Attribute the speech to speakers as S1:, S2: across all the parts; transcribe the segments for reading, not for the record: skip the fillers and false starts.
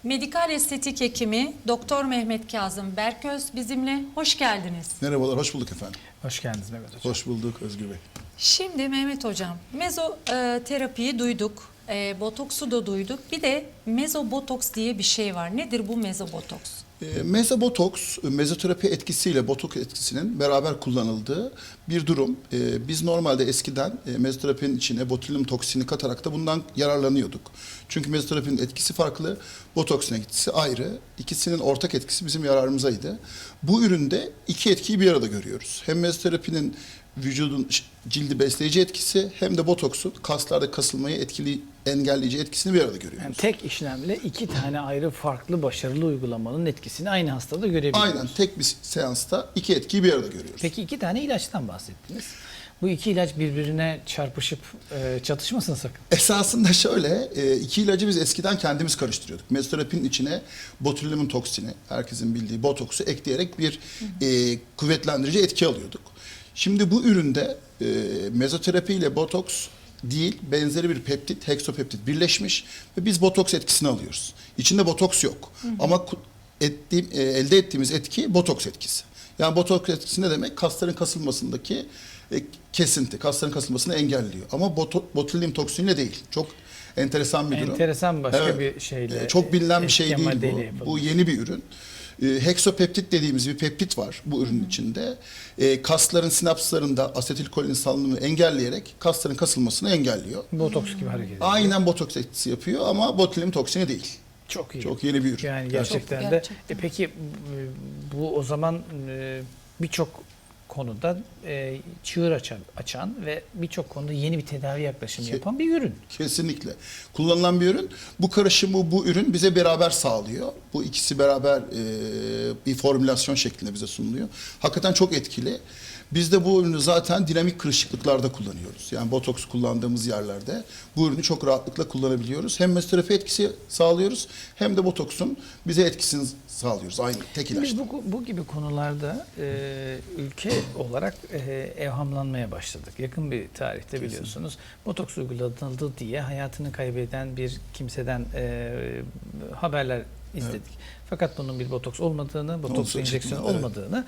S1: Medikal estetik hekimi Doktor Mehmet Kazım Berköz bizimle. Hoş geldiniz.
S2: Merhabalar, hoş bulduk efendim.
S3: Hoş geldiniz Mehmet Hocam.
S2: Hoş bulduk Özgür Bey.
S1: Şimdi Mehmet Hocam, mezoterapiyi duyduk, botoksu da duyduk. Bir de mezobotoks diye bir şey var. Nedir bu mezobotoks?
S2: Mezobotoks, mezoterapi etkisiyle botoks etkisinin beraber kullanıldığı bir durum. Biz normalde eskiden mezoterapinin içine botulinum toksini katarak da bundan yararlanıyorduk. Çünkü mezoterapinin etkisi farklı, botoksin etkisi ayrı. İkisinin ortak etkisi bizim yararımızaydı. Bu üründe iki etkiyi bir arada görüyoruz. Hem mezoterapinin vücudun cildi besleyici etkisi hem de botoksun kaslarda kasılmayı engelleyici etkisini bir arada görüyoruz.
S3: Yani tek işlemle iki tane ayrı farklı başarılı uygulamanın etkisini aynı hastada görebiliyoruz.
S2: Aynen, tek bir seansta iki etkiyi bir arada görüyoruz.
S3: Peki iki tane ilaçtan bahsettiniz. Bu iki ilaç birbirine çarpışıp çatışmasın sakın.
S2: Esasında şöyle, iki ilacı biz eskiden kendimiz karıştırıyorduk. Mezoterapinin içine botulinum toksini, herkesin bildiği botoksu ekleyerek bir kuvvetlendirici etki alıyorduk. Şimdi bu üründe mezoterapi ile botoks değil, benzeri bir peptit, heksapeptit birleşmiş ve biz botoks etkisini alıyoruz. İçinde botoks yok. Ama elde ettiğimiz etki botoks etkisi. Yani botoks etkisi ne demek? Kasların kasılmasındaki kesinti, kasların kasılmasını engelliyor. Ama botulinum toksiniyle değil. Çok enteresan bir durum.
S3: Enteresan başka
S2: Evet.
S3: bir şeyle.
S2: Çok bilinen bir şey
S3: etken
S2: değil
S3: maddeyle
S2: bu. Bu yeni bir ürün. Heksapeptit dediğimiz bir peptit var bu ürünün içinde. Kasların sinapslarında asetilkolin salınımını engelleyerek kasların kasılmasını engelliyor.
S3: Botoks gibi hareket ediyor.
S2: Aynen botoks etkisi yapıyor ama botulinum toksini değil.
S3: Çok iyi.
S2: Çok yeni bir ürün.
S3: Yani gerçekten
S1: Çok,
S3: de.
S1: gerçekten.
S3: Peki bu o zaman birçok konuda çığır açan ve birçok konuda yeni bir tedavi yaklaşımı yapan bir ürün.
S2: Kesinlikle. Kullanılan bir ürün. Bu karışımı bu ürün bize beraber sağlıyor. Bu ikisi beraber bir formülasyon şeklinde bize sunuluyor. Hakikaten çok etkili. Biz de bu ürünü zaten dinamik kırışıklıklarda kullanıyoruz. Yani botoks kullandığımız yerlerde bu ürünü çok rahatlıkla kullanabiliyoruz. Hem mezoterapi etkisi sağlıyoruz hem de botoksun bize etkisini sağlıyoruz. Aynı tek ilaçta.
S3: Biz bu gibi konularda ülke olarak evhamlanmaya başladık. Yakın bir tarihte biliyorsunuz botoks uygulanıldı diye hayatını kaybeden bir kimseden haberler izledik. Fakat bunun bir botoks olmadığını, botoks enjeksiyonu olmadığını,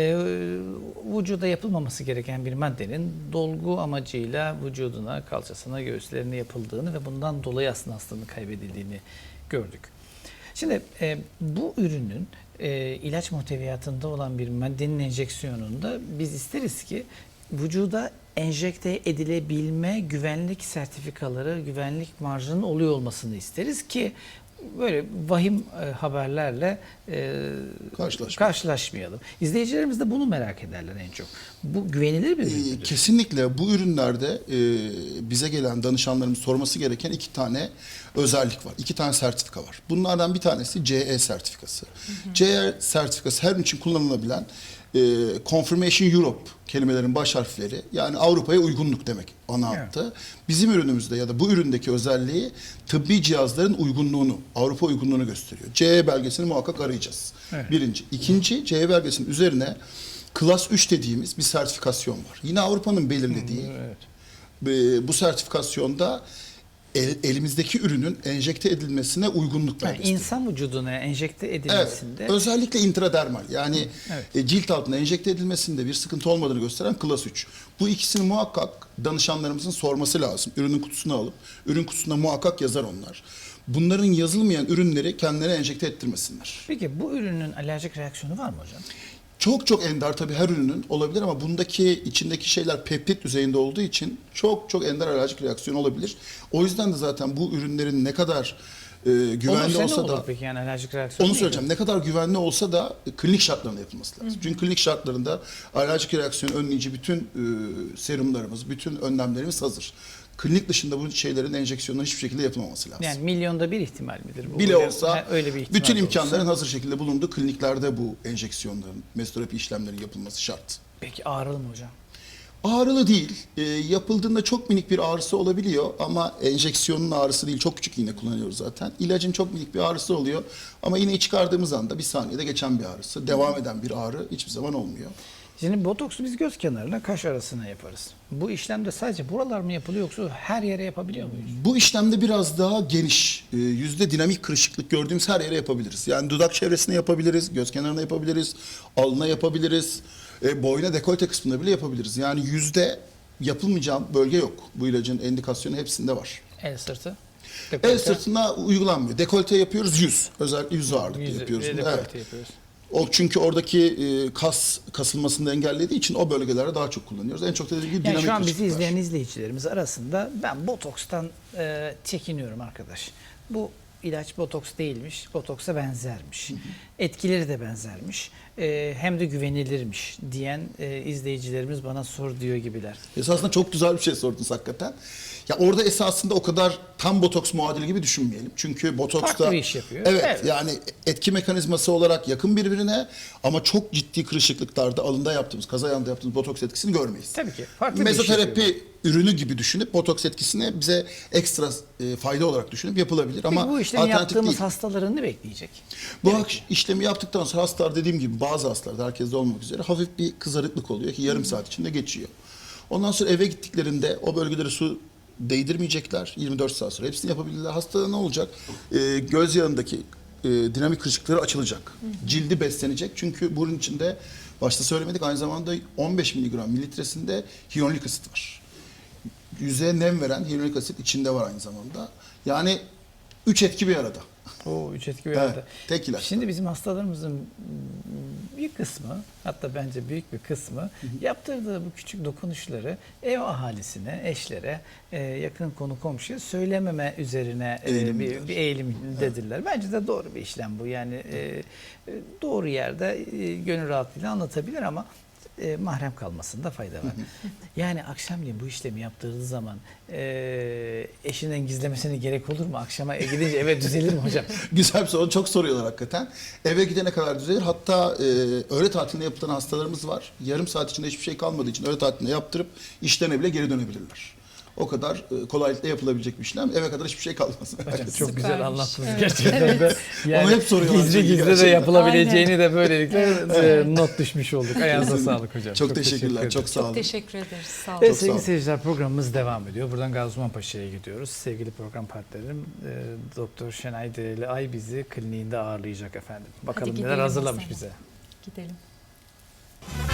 S3: vücuda yapılmaması gereken bir maddenin dolgu amacıyla vücuduna, kalçasına, göğüslerine yapıldığını ve bundan dolayı aslında hastanın kaybedildiğini gördük. Şimdi bu ürünün ilaç muhteviyatında olan bir maddenin enjeksiyonunda biz isteriz ki vücuda enjekte edilebilme güvenlik sertifikaları, güvenlik marjının oluyor olmasını isteriz ki böyle vahim haberlerle karşılaşmayalım. İzleyicilerimiz de bunu merak ederler en çok. Bu güvenilir bir ürün müdür?
S2: Kesinlikle bu ürünlerde bize gelen danışanlarımız sorması gereken iki tane özellik var. İki tane sertifika var. Bunlardan bir tanesi CE sertifikası. CE sertifikası her ürün için kullanılabilen Confirmation Europe kelimelerin baş harfleri, yani Avrupa'ya uygunluk demek ana hattı. Bizim ürünümüzde ya da bu üründeki özelliği tıbbi cihazların uygunluğunu, Avrupa uygunluğunu gösteriyor. CE belgesini muhakkak arayacağız.
S3: Evet.
S2: Birinci. İkinci, CE belgesinin üzerine Klas 3 dediğimiz bir sertifikasyon var. Yine Avrupa'nın belirlediği bu sertifikasyonda elimizdeki ürünün enjekte edilmesine uygunluk belgesi.
S3: İnsan vücuduna enjekte edilmesinde.
S2: Evet, özellikle intradermal, yani cilt altına enjekte edilmesinde bir sıkıntı olmadığını gösteren Klas 3. Bu ikisini muhakkak danışanlarımızın sorması lazım. Ürünün kutusunu alıp, ürün kutusunda muhakkak yazar onlar. Bunların yazılmayan ürünleri kendilerine enjekte ettirmesinler.
S3: Peki bu ürünün alerjik reaksiyonu var mı hocam?
S2: Çok ender tabii her ürünün olabilir ama bundaki içindeki şeyler peptit düzeyinde olduğu için çok ender alerjik reaksiyon olabilir. O yüzden de zaten bu ürünlerin ne kadar güvenli olsa da,
S3: peki yani alerjik reaksiyon
S2: onu söyleyeceğim, ne kadar güvenli olsa da klinik şartlarında yapılması lazım. Çünkü klinik şartlarında alerjik reaksiyon önleyici bütün serumlarımız, bütün önlemlerimiz hazır. Klinik dışında bu şeylerin enjeksiyonları hiçbir şekilde yapılmaması lazım.
S3: Yani milyonda bir ihtimal midir bu?
S2: Bile olsa
S3: öyle bir ihtimal
S2: bütün
S3: olsa.
S2: imkanların hazır şekilde bulunduğu kliniklerde bu enjeksiyonların, mezoterapi işlemlerinin yapılması şart.
S3: Peki ağrılı mı hocam?
S2: Ağrılı değil. Yapıldığında çok minik bir ağrısı olabiliyor ama enjeksiyonun ağrısı değil. Çok küçük iğne kullanıyoruz zaten. İlacın çok minik bir ağrısı oluyor ama iğneyi çıkardığımız anda bir saniyede geçen bir ağrısı. Devam eden bir ağrı hiçbir zaman olmuyor.
S3: Şimdi botoksu biz göz kenarına, kaş arasına yaparız. Bu işlemde sadece buralar mı yapılıyor yoksa her yere yapabiliyor muyuz?
S2: Bu işlemde biraz daha geniş, yüzde dinamik kırışıklık gördüğümüz her yere yapabiliriz. Yani dudak çevresine yapabiliriz, göz kenarına yapabiliriz, alnına yapabiliriz, boyna dekolte kısmında bile yapabiliriz. Yani yüzde yapılmayacak bölge yok. Bu ilacın indikasyonu hepsinde var.
S3: El sırtı.
S2: El sırtına uygulanmıyor. Dekolte yapıyoruz, yüz. Özellikle yüz ağırlıklı yapıyoruz.
S3: Dekolte
S2: Evet.
S3: yapıyoruz.
S2: O çünkü oradaki kasılmasını da engellediği için o bölgelerde daha çok kullanıyoruz. En çok da dediğim gibi
S3: Yani
S2: dinamik
S3: şu an bizi
S2: kırışıklıklar.
S3: izleyen izleyicilerimiz arasında ben botokstan çekiniyorum arkadaş. Bu ilaç botoks değilmiş, botoksa benzermiş. Etkileri de benzermiş. Hem de güvenilirmiş diyen izleyicilerimiz bana sor diyor gibiler.
S2: Esasında çok güzel bir şey sordunuz hakikaten. Ya orada esasında o kadar tam botoks muadili gibi düşünmeyelim. Çünkü botoksta
S3: Farklı bir iş yapıyor.
S2: Evet,
S3: Evet.
S2: yani etki mekanizması olarak yakın birbirine ama çok ciddi kırışıklıklarda alında yaptığımız, kaza yanında yaptığımız botoks etkisini görmeyiz.
S3: Tabii ki. Farklı bir iş yapıyor.
S2: Mezoterapi ürünü gibi düşünüp botoks etkisini bize ekstra fayda olarak düşünüp yapılabilir. Ama
S3: Peki bu işlemi
S2: alternatif
S3: yaptığımız
S2: değil.
S3: hastaların ne bekleyecek?
S2: Bu işlemi yaptıktan sonra hastalar dediğim gibi bazı hastalarda herkeste olmak üzere hafif bir kızarıklık oluyor ki yarım saat içinde geçiyor. Ondan sonra eve gittiklerinde o bölgelere su değdirmeyecekler. 24 saat sonra hepsini yapabilirler. Hastada ne olacak? Göz yağındaki dinamik kırışıklıkları açılacak. Cildi beslenecek. Çünkü bunun içinde başta söylemedik aynı zamanda 15 miligram mililitresinde hyaluronik asit var. Yüzeye nem veren hyaluronik asit içinde var aynı zamanda. Yani 3 etki bir arada.
S3: O üç etki bir
S2: Evet,
S3: arada.
S2: tek ilaç.
S3: Şimdi bizim hastalarımızın bir kısmı, hatta bence büyük bir kısmı yaptırdığı bu küçük dokunuşları ev ahalisine, eşlere, yakın konu komşuya söylememe üzerine bir eğilimdedirler. Bence de doğru bir işlem bu. Yani doğru yerde gönül rahatlığıyla anlatabilir ama mahrem kalmasında fayda var. Yani akşamleyin bu işlemi yaptırdığı zaman eşinden gizlemesine gerek olur mu? Akşama gidince eve düzelir mi hocam?
S2: Güzel bir soru. Çok soruyorlar hakikaten. Eve gidene kadar düzelir. Hatta öğle tatilinde yapılan hastalarımız var. Yarım saat içinde hiçbir şey kalmadığı için öğle tatilinde yaptırıp işlerine bile geri dönebilirler. O kadar kolaylıkla yapılabilecek bir işlem. Eve kadar hiçbir şey kalmaz.
S3: Hocam çok
S1: Süpermiş.
S3: güzel anlattınız
S1: Evet.
S3: gerçekten de. Yani
S2: Onu hep soruyorlar
S3: gizli
S2: çünkü
S3: gizli de
S2: gerçekten.
S3: yapılabileceğini de böylelikle not düşmüş olduk. Ayağınıza sağlık hocam.
S2: Çok teşekkürler. Çok sağ
S1: Çok
S2: olun.
S1: teşekkür ederiz. Sağ olun.
S3: Evet
S2: Çok sağ
S3: sevgili
S2: olun.
S3: seyirciler programımız devam ediyor. Buradan Gazi Osman Paşa'ya gidiyoruz. Sevgili program partnerim Doktor Şenay Dereli Ay bizi kliniğinde ağırlayacak efendim. Bakalım
S1: gidelim
S3: neler hazırlamış
S1: Hasan.
S3: bize.
S1: Gidelim.